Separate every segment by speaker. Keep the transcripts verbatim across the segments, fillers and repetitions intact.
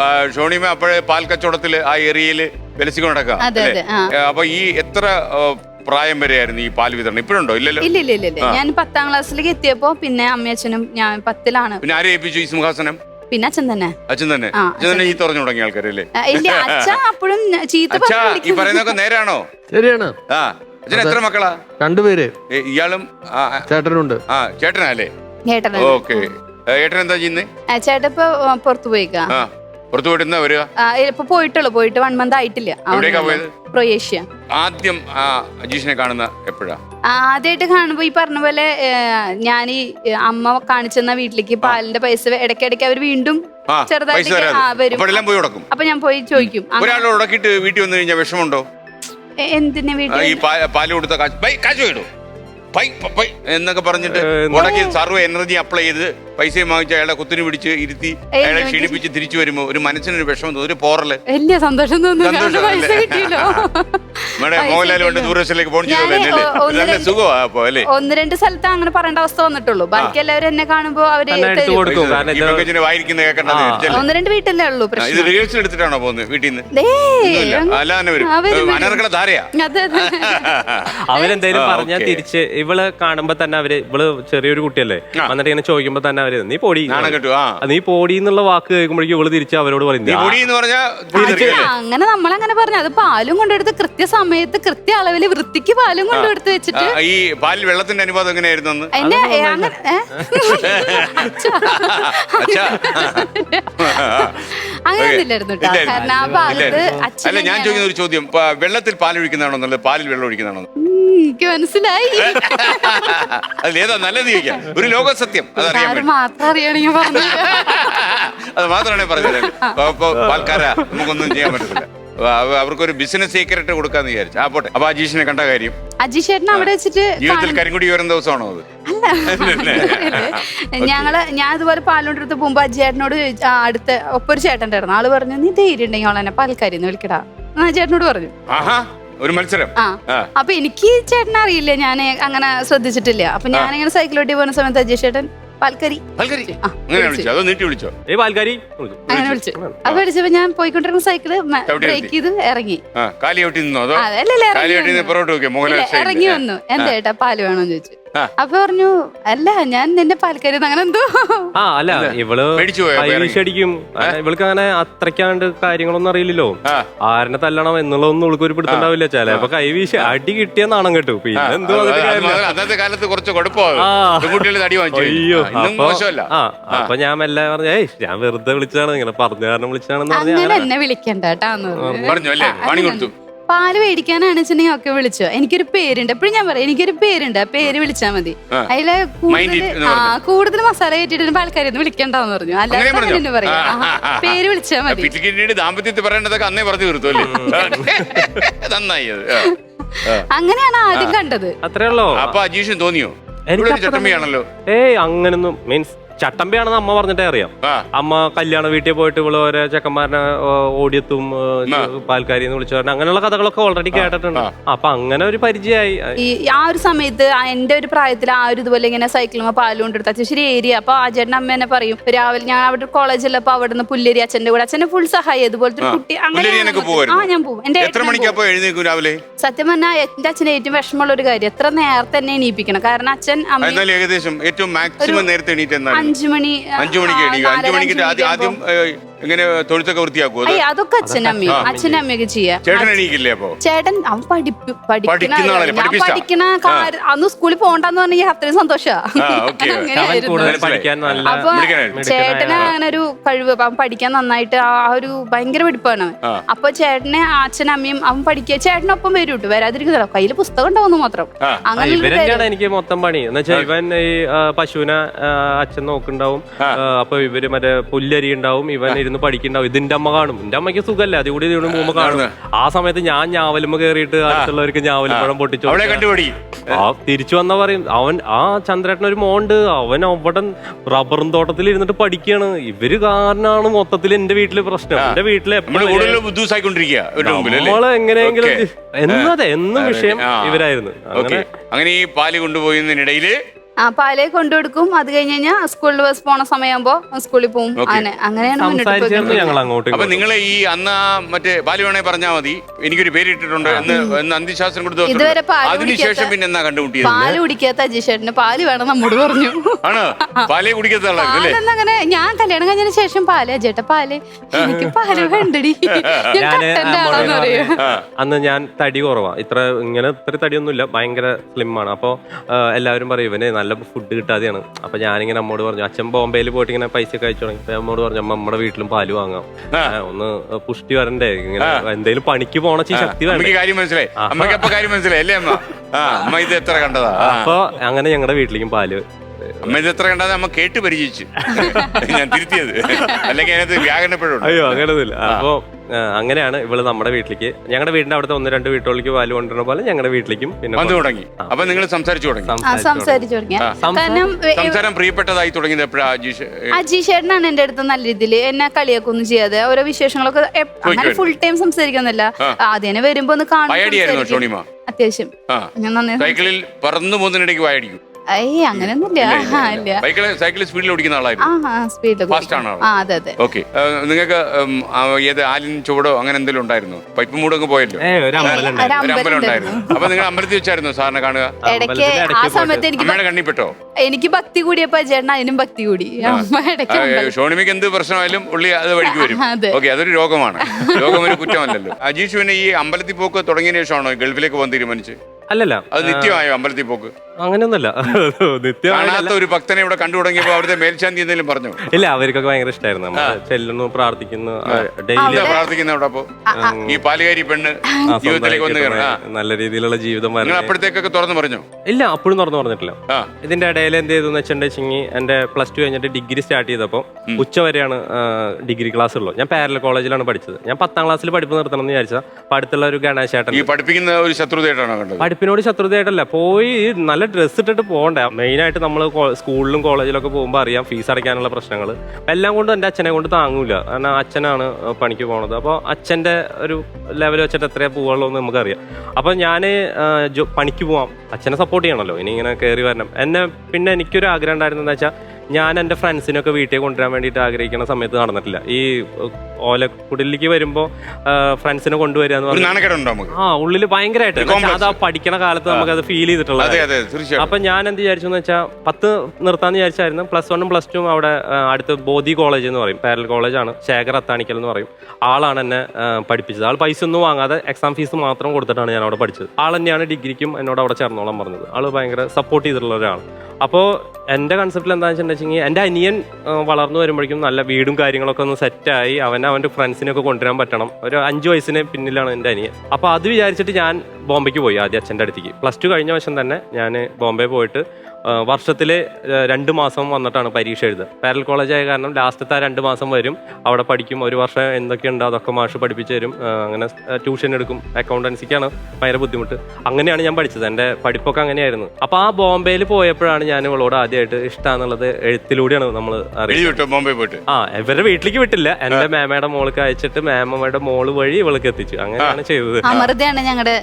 Speaker 1: ഷോണിമ അപ്പോഴേ പാൽ കച്ചവടത്തില് ആ ഏരിയയില് വിലസിക്കൊണ്ട് നടക്കാം. അപ്പൊ ഈ എത്ര പ്രായം വരെയായിരുന്നു ഈ പാൽ വിതരണം? ഇപ്പോഴുണ്ടോ? ഇല്ലല്ലോ.
Speaker 2: ഇല്ല ഇല്ല ഇല്ല ഞാൻ പത്താം ക്ലാസ്സിലേക്ക് എത്തിയപ്പോ പിന്നെ അമ്മയച്ഛനും ഞാൻ പത്തിലാണ്.
Speaker 1: പിന്നെ ആരെ ഏൽപ്പിച്ചു ഈ സിംഹാസനം?
Speaker 2: പിന്നെ അച്ഛൻ തന്നെ.
Speaker 1: അച്ഛൻ തന്നെ അച്ഛൻ തന്നെ ചീത്ത പറഞ്ഞു തുടങ്ങിയ ആൾക്കാരല്ലേ?
Speaker 2: ഇല്ല, അച്ഛൻ അപ്പോഴും ചീത്ത.
Speaker 1: ഈ പറയുന്നതൊക്കെ നേരാണോ?
Speaker 3: ശരിയാണ്.
Speaker 1: ആ അച്ഛൻ എത്ര മക്കളാ?
Speaker 3: രണ്ടുപേര്.
Speaker 1: ഇയാളും
Speaker 3: ചേട്ടനുണ്ട്.
Speaker 1: ആ ചേട്ടനല്ലേ?
Speaker 2: ഓക്കെ.
Speaker 1: ഏട്ടൻ എന്താ ചെയ്യുന്നേ?
Speaker 2: ചേട്ടൻ ഇപ്പൊ പുറത്തു പോയിക്കാ.
Speaker 1: പുറത്തു പോയിട്ട് വരിക?
Speaker 2: ഇപ്പൊ പോയിട്ടുള്ളൂ. പോയിട്ട് വൺ മന്ത് ആയിട്ടില്ല. ക്രൊയേഷ്യ.
Speaker 1: ആദ്യം അജീഷിനെ കാണുന്ന എപ്പോഴാ?
Speaker 2: ആദ്യമായിട്ട് കാണുമ്പോ ഈ പറഞ്ഞ പോലെ ഞാൻ ഈ അമ്മ കാണിച്ചെന്ന വീട്ടിലേക്ക് പാലിന്റെ പൈസ ഇടയ്ക്കിടയ്ക്ക് അവർ വീണ്ടും ചെറുതായിട്ട് വരും. അപ്പൊ ഞാൻ പോയി ചോദിക്കും.
Speaker 1: ഒരാളെ ഉടക്കിട്ട് വീട്ടിൽ വന്നു കഴിഞ്ഞാൽ വിഷമമുണ്ടോ?
Speaker 2: എന്തിനാ വീട്ടിൽ
Speaker 1: പാല് കൊടുത്ത കാശ് വേണോ എന്നൊക്കെ പറഞ്ഞിട്ട് ഉടക്കി സർവ്വ എനർജി അപ്ലൈ ചെയ്ത് പൈസയും വാങ്ങിച്ച് അയാളെ കുത്തിരി പിടിച്ച് ഇരുത്തി അയാളെ ക്ഷീണിപ്പിച്ച് തിരിച്ചു വരുമ്പോ ഒരു മനസ്സിനൊരു വിഷമം തോന്നും, ഒരു പോറല്.
Speaker 2: വലിയ സന്തോഷം
Speaker 1: മോഹൻലാൽ കൊണ്ട് ദൂരദേശത്തിലേക്ക് പോകണം നല്ല സുഖമാണ്.
Speaker 2: ഒന്ന് രണ്ട് സ്ഥലത്ത് അങ്ങനെ പറയേണ്ട അവസ്ഥ വന്നിട്ടുള്ളൂ. ബാക്കി എല്ലാവരും എന്നെ കാണുമ്പോ അവര്
Speaker 1: വായിരിക്കുന്ന കേൾക്കണ്ടത്
Speaker 2: ഒന്ന് രണ്ട് വീട്ടിലേ ഉള്ളൂ.
Speaker 1: ഇത് റിഹേഴ്സൽ എടുത്തിട്ടാണോ പോകുന്നത് വീട്ടിൽ നിന്ന്? അല്ലാതെ വരും അനർക്കള ധാരയാ.
Speaker 4: അവരെന്തായാലും പറഞ്ഞാൽ തിരിച്ച് ഇവള് കാണുമ്പോ തന്നെ അവര് ഇവള് ചെറിയൊരു കുട്ടിയല്ലേ, എന്നിട്ട് ഇങ്ങനെ ചോദിക്കുമ്പോ തന്നെ അവര് നീ പൊടി നീ പൊടി എന്നുള്ള വാക്ക് കേൾക്കുമ്പോഴേക്കും ഇവള് തിരിച്ച് അവരോട് പറയുന്നത്
Speaker 2: അങ്ങനെ. നമ്മളങ്ങനെ പറഞ്ഞു. അത് പാലും കൊണ്ടെടുത്ത് കൃത്യസമയത്ത് കൃത്യ അളവില് വൃത്തിക്ക് പാലും കൊണ്ടെടുത്ത് വെച്ചിട്ട്.
Speaker 1: ഈ പാലിൽ വെള്ളത്തിന്റെ അനുപാതം എങ്ങനെയായിരുന്നു?
Speaker 2: അങ്ങനെയൊന്നുമില്ലായിരുന്നു കാരണം ആ ഭാഗത്ത്.
Speaker 1: അല്ല, ഞാൻ ചോദിക്കുന്ന ഒരു ചോദ്യം, വെള്ളത്തിൽ പാൽ ഒഴിക്കുന്നതാണോ നല്ലത് പാലിൽ വെള്ളം ഒഴിക്കുന്നതാണോ?
Speaker 2: എനിക്ക് മനസ്സിലായി.
Speaker 1: അതിലേതാ നല്ലത് ചോദിക്കാം. ഒരു ലോക സത്യം അതറിയാൻ
Speaker 2: മാത്രം അറിയണെങ്കിൽ പറഞ്ഞു.
Speaker 1: അത് മാത്രമാണ് പറഞ്ഞത്. പാൽക്കാര നമുക്കൊന്നും ചെയ്യാൻ പറ്റത്തില്ല. അവർക്കൊരു ബിസിനസ് സീക്രട്ട് കൊടുക്കാന്ന് വിചാരിച്ചു. ആ പോട്ടെ. അപ്പൊ അജീഷിനെ കണ്ട കാര്യം?
Speaker 2: അജീഷ് ചേട്ടൻ അവിടെ വെച്ചിട്ട്
Speaker 1: ജീവിതത്തിൽ കരിങ്കുടി ഉയർന്ന ദിവസമാണോ അത്?
Speaker 2: ഞങ്ങള് ഞാൻ ഇതുപോലെ പാലോണ്ടെടുത്ത് പോകുമ്പോ അജേട്ടനോട് അടുത്ത ഒപ്പൊരു ചേട്ടൻ ഉണ്ടായിരുന്നു. ആള് പറഞ്ഞു നീ ധൈര്യം ഉണ്ടെങ്കിൽ അവളെന്നെ പാൽക്കാരി എന്ന് വിളിക്കടാ. ചേട്ടനോട് പറഞ്ഞു.
Speaker 1: ഒരു മത്സരം.
Speaker 2: ആ അപ്പൊ എനിക്ക് ചേട്ടനെ അറിയില്ല, ഞാൻ അങ്ങനെ ശ്രദ്ധിച്ചിട്ടില്ല. അപ്പൊ ഞാനിങ്ങനെ സൈക്കിളോട്ടി പോകുന്ന സമയത്ത് അജയ് ചേട്ടൻ പാൽക്കരി
Speaker 1: അങ്ങനെ വിളിച്ചു.
Speaker 2: അങ്ങനെ വിളിച്ചു. അപ്പൊ വിളിച്ചപ്പോ ഞാൻ പോയിക്കൊണ്ടിരുന്ന സൈക്കിള് ബ്രേക്ക് ചെയ്ത് ഇറങ്ങി. ഇറങ്ങി വന്നു. എന്താ ചേട്ടാ പാല് വേണോന്ന് ചോദിച്ചു. അപ്പൊ പറഞ്ഞു അല്ല ഞാൻ നിന്റെ പാൽക്കരി അങ്ങനെ എന്തോ.
Speaker 4: ആ അല്ല ഇവള് അടിക്കും. ഇവൾക്ക് അങ്ങനെ അത്രയ്ക്കാണ്ട് കാര്യങ്ങളൊന്നും അറിയില്ലല്ലോ. ആരനെ തല്ലണം എന്നുള്ളതൊന്നും ഇവൾക്ക് ഒരു പിടുത്തുണ്ടാവില്ല. ചിലപ്പോ കൈവീശി അടി കിട്ടിയ നാണം കേട്ടു. പിന്നെ എന്തോ
Speaker 1: അന്നത്തെ കാലത്ത് കുറച്ച് അയ്യോ.
Speaker 4: അപ്പൊ ഞാൻ മെല്ലെ പറഞ്ഞു ഏയ് ഞാൻ വെറുതെ വിളിച്ചതാണ്, ഇങ്ങനെ പറഞ്ഞു കാരണം വിളിച്ചതാണെന്ന്
Speaker 2: പറഞ്ഞു. എന്നെ വിളിക്കണ്ട
Speaker 1: പറഞ്ഞു.
Speaker 2: പാല് മേടിക്കാനാണ് വെച്ചിട്ടുണ്ടെങ്കിൽ ഒക്കെ വിളിച്ചോ. എനിക്കൊരു പേരുണ്ട്. എപ്പോഴും ഞാൻ പറയാം എനിക്കൊരു പേരുണ്ട്, ആ പേര് വിളിച്ചാ മതി. അതില് കൂടുതൽ ആ കൂടുതൽ മസാല കയറ്റിട്ട് പാൽക്കാരിന്ന് വിളിക്കണ്ടെന്ന് പറഞ്ഞു. അല്ലാതെ പറയാ പേര് വിളിച്ചാ മതി.
Speaker 1: ദാമ്പത്യത്തിൽ പറയേണ്ടതൊക്കെ അന്നേ പറഞ്ഞു തീർത്തുല്ലേ. നന്നായി.
Speaker 2: അങ്ങനെയാണ് ആദ്യം കണ്ടത്.
Speaker 4: അത്രേ ഉള്ളൂ.
Speaker 1: അപ്പൊ അജീഷിന് തോന്നിയോ ചട്ടമ്പിയാണല്ലോ?
Speaker 4: ഏയ് അങ്ങനൊന്നും മീൻസ് ചട്ടമ്പിയാണെന്ന് അമ്മ പറഞ്ഞിട്ടേ അറിയാം. അമ്മ കല്യാണ വീട്ടിൽ പോയിട്ട് ഇവള് ഓരോ ചെക്കന്മാരനെ ഓടിയെത്തും പാൽക്കാരി എന്ന് വിളിച്ചു പറഞ്ഞ അങ്ങനെയുള്ള കഥകളൊക്കെ ഓൾറെഡി കേട്ടിട്ടുണ്ട്. അപ്പൊ അങ്ങനെ ഒരു പരിചയമായി.
Speaker 2: ഈ ആ ഒരു സമയത്ത് എന്റെ ഒരു പ്രായത്തിൽ ആ ഒരു ഇതുപോലെ ഇങ്ങനെ സൈക്കിളും പാലും കൊണ്ടെടുത്ത ശരി ഏരിയ. അപ്പൊ ആ ചേട്ടൻ അമ്മ എന്നെ പറയും രാവിലെ ഞാൻ അവിടെ കോളേജിൽ അപ്പൊ അവിടെ നിന്ന് പുല്ലേരി അച്ഛന്റെ കൂടെ അച്ഛനെ ഫുൾ സഹായം ഇതുപോലത്തെ ഒരു കുട്ടി അങ്ങനെ ആ ഞാൻ പോകും. എന്റെ സത്യം പറഞ്ഞാൽ എന്റെ അച്ഛന് ഏറ്റവും വിഷമമുള്ള ഒരു കാര്യം എത്ര നേരത്തെ തന്നെ എണീപ്പിക്കണം. കാരണം അച്ഛൻ അമ്മ
Speaker 1: ഏകദേശം ഏറ്റവും മാക്സിമം നേരത്തെ എണീറ്റ്
Speaker 2: അഞ്ചു മണി
Speaker 1: അഞ്ചു മണിക്ക് അഞ്ചു മണിക്ക് ആദ്യം ഇങ്ങനെ തൊഴുത്തൊക്കെ വൃത്തിയാക്കും.
Speaker 2: അതൊക്കെ അച്ഛനമ്മയും അച്ഛനും അമ്മയൊക്കെ ചെയ്യാം.
Speaker 1: ചേട്ടൻ എണീക്കില്ലേ? അപ്പൊ
Speaker 2: ചേട്ടൻ അവൻ പഠിക്കുന്ന അന്ന് സ്കൂളിൽ പോകണ്ടെന്ന് പറഞ്ഞെങ്കിൽ അത്രയും സന്തോഷമാണ്. അപ്പൊ ചേട്ടന് അങ്ങനെ ഒരു കഴിവ്, അവൻ പഠിക്കാൻ നന്നായിട്ട് ആ ഒരു ഭയങ്കര പഠിപ്പാണ്. അപ്പൊ ചേട്ടനെ അച്ഛനും അമ്മയും അവൻ പഠിക്കുക ചേട്ടനൊപ്പം വരും കേട്ടോ, വരാതിരിക്കുന്നില്ല കയ്യില് പുസ്തകം ഉണ്ടാവുന്നു മാത്രം.
Speaker 4: അങ്ങനെ എനിക്ക് മൊത്തം പണി എന്ന് വെച്ചാൽ ഇവൻ ഈ പശുവിനെ അച്ഛൻ നോക്കുന്നുണ്ടാവും. അപ്പൊ ഇവര് മറ്റേ പുല്ലരി ഉണ്ടാവും, ഇവൻ ഇരുന്ന് പഠിക്കണ്ടാവും. ഇതിന്റെ അമ്മ കാണും. എന്റെ അമ്മയ്ക്ക് സുഖല്ലേ, അത് കൂടി ഇതിന് മുമ്പ് കാണും. ആ സമയത്ത് ഞാൻ ഞാവലുമ്പോ കയറിയിട്ട് അടുത്തുള്ളവർക്ക് ഞാവലുമ്പഴം പൊട്ടിച്ചു. ആ തിരിച്ചു വന്നാ പറയും അവൻ ആ ചന്ദ്രേട്ടൻ ഒരു മോണ്ട് അവൻ അവിടെ റബ്ബറും തോട്ടത്തിൽ ഇരുന്നിട്ട് പഠിക്കുകയാണ്. ഇവര് കാരനാണ് മൊത്തത്തിൽ എന്റെ വീട്ടില് പ്രശ്നം. എന്റെ വീട്ടില് നമ്മള് എങ്ങനെയെങ്കിലും എന്നതെ എന്നും വിഷയം ഇവരായിരുന്നു.
Speaker 1: അങ്ങനെ ഈ പാല് കൊണ്ടുപോയതിനിടയില്
Speaker 2: ആ പാലേ കൊണ്ടുകൊടുക്കും. അത് കഴിഞ്ഞ് കഴിഞ്ഞാൽ സ്കൂളിൽ ബസ് പോണ സമയമാകുമ്പോ സ്കൂളിൽ പോകും. അങ്ങനെ അങ്ങനെയാണ് മുന്നോട്ട്
Speaker 4: സംസാരിച്ചായിരുന്നു ഞങ്ങൾ അങ്ങോട്ട്
Speaker 1: അപ്പൊ നിങ്ങൾ ഈ അന്ന് ആ മറ്റേ ബാലു വേണേ പറഞ്ഞാൽ മതി, എനിക്കൊരു പേര് ഇട്ടിട്ടുണ്ട് എന്ന് എന്ന് അന്ത്യശാസ്ത്രം കൊടുത്ത
Speaker 2: ഇതുവരെ പാല്
Speaker 1: അതിനുശേഷം പിന്നെ എന്നാ കണ്ടുമുട്ടിയത്?
Speaker 2: പാല് കുടിക്കാത്ത അജീഷേട്ടന് പാല് വേണം നമ്മോട് പറഞ്ഞു.
Speaker 1: ആണ് പാലേ കുടിക്കാത്ത ആളായിരുന്നല്ലേ?
Speaker 2: അങ്ങനെ ഞാൻ കല്യാണം കഴിഞ്ഞതിന് ശേഷം പാല് അജേട്ട പാല് എനിക്ക് പാല് വേണ്ടടി, ഞാൻ കട്ടന്റെ ആളാന്ന് പറയും.
Speaker 4: അന്ന് ഞാൻ തടി കുറവാ, ഇത്ര ഇങ്ങനെ ഇത്ര തടിയൊന്നുമില്ല, ഭയങ്കര സ്ലിം ആണ്. അപ്പൊ എല്ലാവരും പറയും ഇവന് നല്ല ഫുഡ് കിട്ടാതെയാണ്. അപ്പൊ ഞാനിങ്ങനെ അമ്മോട് പറഞ്ഞു, അച്ഛൻ ബോംബെയിൽ പോയിട്ട് ഇങ്ങനെ പൈസ ഒക്കെ അയച്ചു തുടങ്ങി. അമ്മോട് പറഞ്ഞു അമ്മ നമ്മുടെ വീട്ടിലും പാല് വാങ്ങാം, ഒന്ന് പുഷ്ടി വരണ്ടേ, ഇങ്ങനെ എന്തെങ്കിലും പണിക്ക് പോണ ശക്തി വേണ്ട.
Speaker 1: കാര്യം മനസ്സിലായി, അമ്മയ്ക്ക് അപ്പൊ കാര്യം മനസ്സിലായി അല്ലേ അമ്മ? അമ്മ ഇത് എത്ര കണ്ടതാ.
Speaker 4: അപ്പൊ അങ്ങനെ ഞങ്ങളുടെ വീട്ടിലേക്കും പാല്
Speaker 1: അമ്മ ഇത് എത്ര കണ്ടത് അമ്മ കേട്ട് പരിചയിച്ചു. ഞാൻ തിരുത്തിയത്, അല്ലെങ്കിൽ അതിനകത്ത് വ്യാകരണപ്പെടും.
Speaker 4: അയ്യോ അങ്ങനെയൊന്നുമില്ല. അപ്പൊ അങ്ങനെയാണ് ഇവള് നമ്മുടെ വീട്ടിലേക്ക്, ഞങ്ങളുടെ വീടിന്റെ അവിടുത്തെ ഒന്ന് രണ്ട് വീട്ടുകളിലേക്ക് പാല് കൊണ്ടുവരുന്ന പോലെ ഞങ്ങളുടെ വീട്ടിലേക്കും പിന്നെ
Speaker 1: വന്നു തുടങ്ങി. അപ്പൊ നിങ്ങൾ സംസാരിച്ചു തുടങ്ങി.
Speaker 2: സംസാരിച്ചു തുടങ്ങി. കാരണം
Speaker 1: സംസാരം പ്രിയപ്പെട്ടതായി തുടങ്ങിയത് എപ്പോഴാ? അജീഷ്
Speaker 2: അജീഷേട്ടനാണ് എന്റെ അടുത്ത് നല്ല രീതിയിൽ എന്നെ കളിയാക്കൊന്നും ചെയ്യാതെ ഓരോ വിശേഷങ്ങളൊക്കെ അങ്ങനെ ഫുൾ ടൈം സംസാരിക്കുന്നില്ല. ആദ്യം വരുമ്പോ ഒന്ന് കാണും. അത്യാവശ്യം ഞാൻ നന്നായി
Speaker 1: സൈക്കിളിൽ പറന്നു പോകുന്നതിനിടയ്ക്ക് വായടിക്കും.
Speaker 2: അയ്യേ അങ്ങനെയൊന്നുമില്ല.
Speaker 1: സൈക്കിൾ സ്പീഡിൽ ഓടിക്കുന്ന ആളായിരുന്നു.
Speaker 2: അതെ അതെ.
Speaker 1: ഓക്കെ, നിങ്ങൾക്ക് ഏത് ആലിൻ ചുവടോ അങ്ങനെ എന്തെങ്കിലും ഉണ്ടായിരുന്നു? പൈപ്പ് മൂടൊക്കെ പോയല്ലോ, ഒരു അമ്പലം ഉണ്ടായിരുന്നു. അപ്പൊ നിങ്ങൾ അമ്പലത്തിൽ വെച്ചായിരുന്നു സാറിനെ കാണുക?
Speaker 2: ഇടയ്ക്ക് ആ സമയത്ത് എനിക്ക്
Speaker 1: അമ്മയുടെ കണ്ണിപ്പെട്ടോ?
Speaker 2: എനിക്ക് ഭക്തി കൂടിയപ്പോ ചേട്ടൻ അതിനും ഭക്തി കൂടി.
Speaker 1: ഷോണിമിക്ക് എന്ത് പ്രശ്നമായാലും ഉള്ളി അത് വഴിക്ക് വരും. ഓക്കെ, അതൊരു രോഗമാണ്, രോഗം ഒരു കുറ്റമല്ലല്ലോ. അജീഷ് പിന്നെ ഈ അമ്പലത്തിൽ പോക്ക് തുടങ്ങിയ ശേഷമാണോ ഗൾഫിലേക്ക് പോകാൻ തീരുമാനിച്ച്?
Speaker 4: അല്ലല്ല,
Speaker 1: അത് നിത്യമായോ അമ്പലത്തിൽ പോക്ക്?
Speaker 4: അങ്ങനെയൊന്നുമല്ല,
Speaker 1: കാണാത്ത ഒരു ഭക്തനെ ഇവിടെ കണ്ടു തുടങ്ങിയപ്പോ അവിടുത്തെ മേൽശാന്തി എന്തെങ്കിലും പറഞ്ഞു?
Speaker 4: ഇല്ല, അവർക്കൊക്കെ ഭയങ്കര ഇഷ്ടമായിരുന്നു. ചെല്ലുന്നു, പ്രാർത്ഥിക്കുന്നു, ഡെയിലി
Speaker 1: പ്രാർത്ഥിക്കുന്ന അവിടെ. അപ്പൊ ഈ പാലുകാരി പെണ്ണ് ജീവിതത്തിലേക്ക് വന്ന്
Speaker 4: നല്ല രീതിയിലുള്ള ജീവിതം
Speaker 1: അപ്പോഴത്തേക്കൊക്കെ തുറന്നു പറഞ്ഞോ?
Speaker 4: ഇല്ല, അപ്പോഴും തുറന്നു പറഞ്ഞിട്ടില്ല. ഇതിന്റെ ഇടയിൽ എന്ത് ചെയ്തെന്ന് വെച്ചിട്ടുണ്ടെങ്കിൽ എന്റെ പ്ലസ് ടു കഴിഞ്ഞിട്ട് ഡിഗ്രി സ്റ്റാർട്ട് ചെയ്തപ്പോൾ ഉച്ച വരെയാണ് ഡിഗ്രി ക്ലാസ് ഉള്ളൂ. ഞാൻ പാരലൽ കോളേജിലാണ് പഠിച്ചത്. ഞാൻ പത്താം ക്ലാസ്സിൽ പഠിപ്പ് നിർത്തണം എന്ന് വിചാരിച്ചാൽ അടുത്തുള്ള ഒരു ഗണേശേട്ടൻ.
Speaker 1: ഈ പഠിപ്പിക്കുന്ന ഒരു ശത്രുതയായിട്ടാണോ കണ്ടത്?
Speaker 4: പഠിപ്പിനോട് ശത്രുതയായിട്ടല്ല, പോയി നല്ല ഡ്രസ്സ് ഇട്ടിട്ട് പോകണ്ടേ. മെയിനായിട്ട് നമ്മൾ സ്കൂളിലും കോളേജിലൊക്കെ പോകുമ്പോൾ അറിയാം ഫീസ് അടയ്ക്കാനുള്ള പ്രശ്നങ്ങൾ. എല്ലാം കൊണ്ടും എൻ്റെ അച്ഛനെ കൊണ്ട് താങ്ങൂല. കാരണം അച്ഛനാണ് പണിക്ക് പോണത്. അപ്പോൾ അച്ഛൻ്റെ ഒരു ലെവൽ വെച്ചിട്ട് എത്രയാണ് പോവുള്ളൂ എന്ന് നമുക്കറിയാം. അപ്പോൾ ഞാൻ പണിക്ക് പോവാം, അച്ഛനെ സപ്പോർട്ട് ചെയ്യണമല്ലോ, ഇനി ഇങ്ങനെ കയറി വരണം. എന്നെ പിന്നെ എനിക്കൊരു ആഗ്രഹം ഉണ്ടായിരുന്നു എന്താ വെച്ചാൽ, ഞാൻ എൻ്റെ ഫ്രണ്ട്സിനൊക്കെ വീട്ടിൽ കൊണ്ടുവരാൻ വേണ്ടിയിട്ട് ആഗ്രഹിക്കുന്ന സമയത്ത് നടന്നിട്ടില്ല. ഈ ഓലക്കുടലിലേക്ക് വരുമ്പോൾ ഫ്രണ്ട്സിനെ കൊണ്ടുവരിക എന്ന് പറഞ്ഞാൽ ആ ഉള്ളിൽ ഭയങ്കരമായിട്ട് അത് ആ പഠിക്കണ കാലത്ത് നമുക്ക് അത് ഫീൽ ചെയ്തിട്ടുള്ളത്. അപ്പൊ ഞാൻ എന്ത് വിചാരിച്ചു എന്ന് വെച്ചാൽ പത്ത് നിർത്താന്ന് വിചാരിച്ചായിരുന്നു. പ്ലസ് വണ്ണും പ്ലസ് ടുവും അവിടെ അടുത്ത് ബോധി കോളേജ് എന്ന് പറയും, പാരലൽ കോളേജാണ്, ശേഖർ അത്താണിക്കൽ എന്ന് പറയും. ആളാണ് എന്നെ പഠിപ്പിച്ചത്. ആൾ പൈസ ഒന്നും വാങ്ങാതെ എക്സാം ഫീസ് മാത്രം കൊടുത്തിട്ടാണ് ഞാൻ അവിടെ പഠിച്ചത്. ആൾ തന്നെയാണ് ഡിഗ്രിക്കും എന്നോട് അവിടെ ചേർന്നോളാൻ പറഞ്ഞത്. ആൾ ഭയങ്കര സപ്പോർട്ട് ചെയ്തിട്ടുള്ള ഒരാളാണ്. അപ്പോൾ എൻ്റെ കൺസെപ്റ്റിൽ എന്താണെന്ന് വെച്ചിട്ടുണ്ടെങ്കിൽ, എൻ്റെ അനിയൻ വളർന്നു വരുമ്പോഴേക്കും നല്ല വീടും കാര്യങ്ങളൊക്കെ ഒന്ന് സെറ്റായി അവൻ അവൻ്റെ ഫ്രണ്ട്സിനൊക്കെ കൊണ്ടുവരാൻ പറ്റണം. ഒരു അഞ്ച് വയസ്സിന് പിന്നിലാണ് എൻ്റെ അനിയൻ. അപ്പോൾ അത് വിചാരിച്ചിട്ട് ഞാൻ ബോംബെക്ക് പോയി ആദ്യം അച്ഛൻ്റെ അടുത്തേക്ക്. പ്ലസ് ടു കഴിഞ്ഞ വർഷം തന്നെ ഞാൻ ബോംബെ പോയിട്ട് വർഷത്തിൽ രണ്ട് മാസം വന്നിട്ടാണ് പരീക്ഷ എഴുതുക. പാരലൽ കോളേജ് ആയ കാരണം ലാസ്റ്റത്തെ ആ രണ്ട് മാസം വരും, അവിടെ പഠിക്കും. ഒരു വർഷം എന്തൊക്കെയുണ്ടോ അതൊക്കെ മാഷ് പഠിപ്പിച്ചു തരും. അങ്ങനെ ട്യൂഷൻ എടുക്കും. അക്കൗണ്ടൻസിക്കാണ് ഭയങ്കര ബുദ്ധിമുട്ട്. അങ്ങനെയാണ് ഞാൻ പഠിച്ചത്. എൻ്റെ പഠിപ്പൊക്കെ അങ്ങനെയായിരുന്നു. അപ്പോൾ ആ ബോംബെയിൽ പോയപ്പോഴാണ് ഞാൻ ഇവളോട് ആദ്യമായിട്ട് ഇഷ്ടമാണെന്നുള്ളത് എഴുത്തിലൂടെയാണ് നമ്മൾ അറിയുന്നത്.
Speaker 1: ബോംബെ പോയിട്ട്
Speaker 4: ആ ഇവരുടെ വീട്ടിലേക്ക് വിട്ടില്ല, എൻ്റെ മേമയുടെ മോൾക്ക് അയച്ചിട്ട് മേമയുടെ മോള് വഴി ഇവൾക്ക് എത്തിച്ചു. അങ്ങനെയാണ് ചെയ്തത്.
Speaker 2: ഞങ്ങളുടെ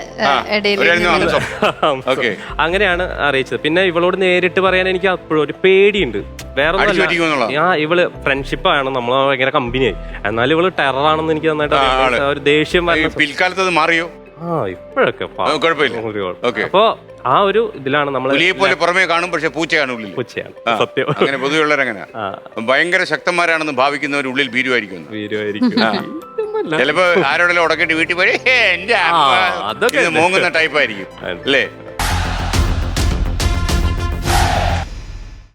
Speaker 4: അങ്ങനെയാണ് അറിയിച്ചത്. പിന്നെ ഇവളോട് നേരിട്ട് പറയാൻ എനിക്ക് അപ്പോഴും ഒരു പേടിയുണ്ട്. വേറെ ആ ഇവള് ഫ്രണ്ട്ഷിപ്പാണ്, നമ്മൾ ഭയങ്കര കമ്പനിയായി. എന്നാലും ഇവള് ടെററാണെന്ന് എനിക്ക് നന്നായിട്ട് ഒരു ദേഷ്യം.
Speaker 1: പിൽക്കാലത്ത് മാറിയോ?
Speaker 4: ആ ഇപ്പോഴൊക്കെ
Speaker 1: അപ്പൊ
Speaker 4: ആ ഒരു ഇതിലാണ് നമ്മൾ
Speaker 1: പുറമേ കാണും, പക്ഷെ പൂച്ചയാണ് ഉള്ളിൽ.
Speaker 4: പൂച്ചയാണ് സത്യം.
Speaker 1: അങ്ങനെ പൊതുവെയുള്ളവരങ്ങനെ ഭയങ്കര ശക്തന്മാരാണെന്ന് ഭാവിക്കുന്നവർ ഉള്ളിൽ ഭീരുവായിരിക്കും.
Speaker 4: ഭീരുവായിരിക്കും
Speaker 1: ചിലപ്പോ ആരോടെല്ലാം ഉടക്കേണ്ടി വീട്ടിൽ പോയി എന്റെ മോങ്ങുന്ന ടൈപ്പായിരിക്കും അല്ലേ?